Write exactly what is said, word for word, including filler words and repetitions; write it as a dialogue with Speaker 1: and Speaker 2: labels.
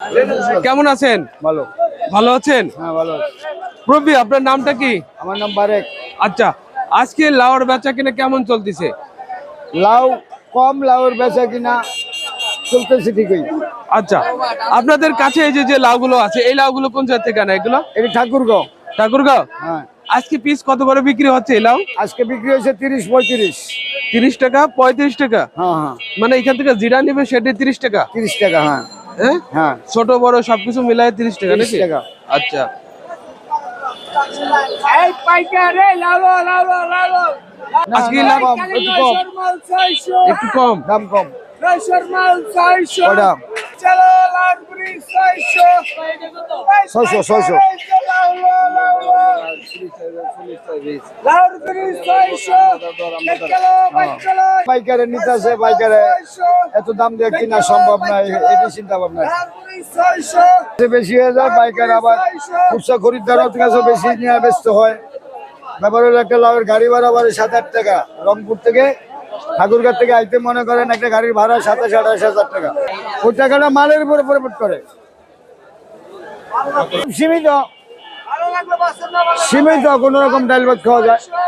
Speaker 1: কেমন আছেন?
Speaker 2: ভালো।
Speaker 1: ভালো আছেন?
Speaker 2: হ্যাঁ ভালো।
Speaker 1: প্রবি, আপনার নামটা কি?
Speaker 2: আমার নাম বারেক।
Speaker 1: আচ্ছা, আজকে লাউর বেচা কিনা কেমন চলতেছে?
Speaker 2: লাউ কম, লাউর বেচা কিনা চলতেছে ঠিকই।
Speaker 1: আচ্ছা, আপনাদের কাছে এই যে যে লাউগুলো আছে, এই লাউগুলো কোন জায়গা থেকে আনা এগুলো?
Speaker 2: এটা ঠাকুরগাঁও।
Speaker 1: ঠাকুরগাঁও?
Speaker 2: হ্যাঁ।
Speaker 1: আজকে পিস কত করে বিক্রি হচ্ছে এই লাউ?
Speaker 2: আজকে বিক্রি হয়েছে তিরিশ পঁয়ত্রিশ।
Speaker 1: তিরিশ টাকা, পঁয়ত্রিশ টাকা?
Speaker 2: হ্যাঁ হ্যাঁ।
Speaker 1: মানে এখান থেকে জিরা নিবে সেটা তিরিশ টাকা?
Speaker 2: তিরিশ টাকা। হ্যাঁ
Speaker 1: হ্যাঁ
Speaker 2: হ্যাঁ।
Speaker 1: ছোট বড় সবকিছু মিলায় তিরিশ টাকা
Speaker 2: তিরিশ
Speaker 1: নাকি?
Speaker 2: টাকা।
Speaker 1: আচ্ছা,
Speaker 2: এই পাইকারে লাউ লাউ লাউ।
Speaker 1: আজকে
Speaker 2: না,
Speaker 1: লাউ
Speaker 2: কম, একটু কম।
Speaker 1: একটু কম।
Speaker 2: দাম কম।
Speaker 3: ছয়শো চলো লালপুরি ছয়শো
Speaker 2: ছয়শো ছয়শো।
Speaker 3: লালপুরি ছয়শো চলো চলো
Speaker 2: পাইকারে নিতে আছে, পাইকারে এত দাম দিয়ে কিনা সম্ভব নয়, এটি চিন্তা ভাবনা।
Speaker 3: লালপুরি ছয়শো
Speaker 2: বেশি হয়ে যায়, পাইকার আবার খুচরা খরিদ্দার কাছে বেশি নিয়ে ব্যস্ত হয়। ব্যাপার হলো একটা লাউয়ের গাড়ি ভাড়া বাড়ে সাত আট টাকা। রংপুর থেকে ঠাকুরগাঁ থেকে আইতে মনে করেন একটা গাড়ির ভাড়া সাতাশ আঠাশ হাজার টাকা। ওই টাকাটা মালের উপরে পরিবর্তন করে। সীমিত সীমিত কোন রকম ডাল ভাত খাওয়া যায়।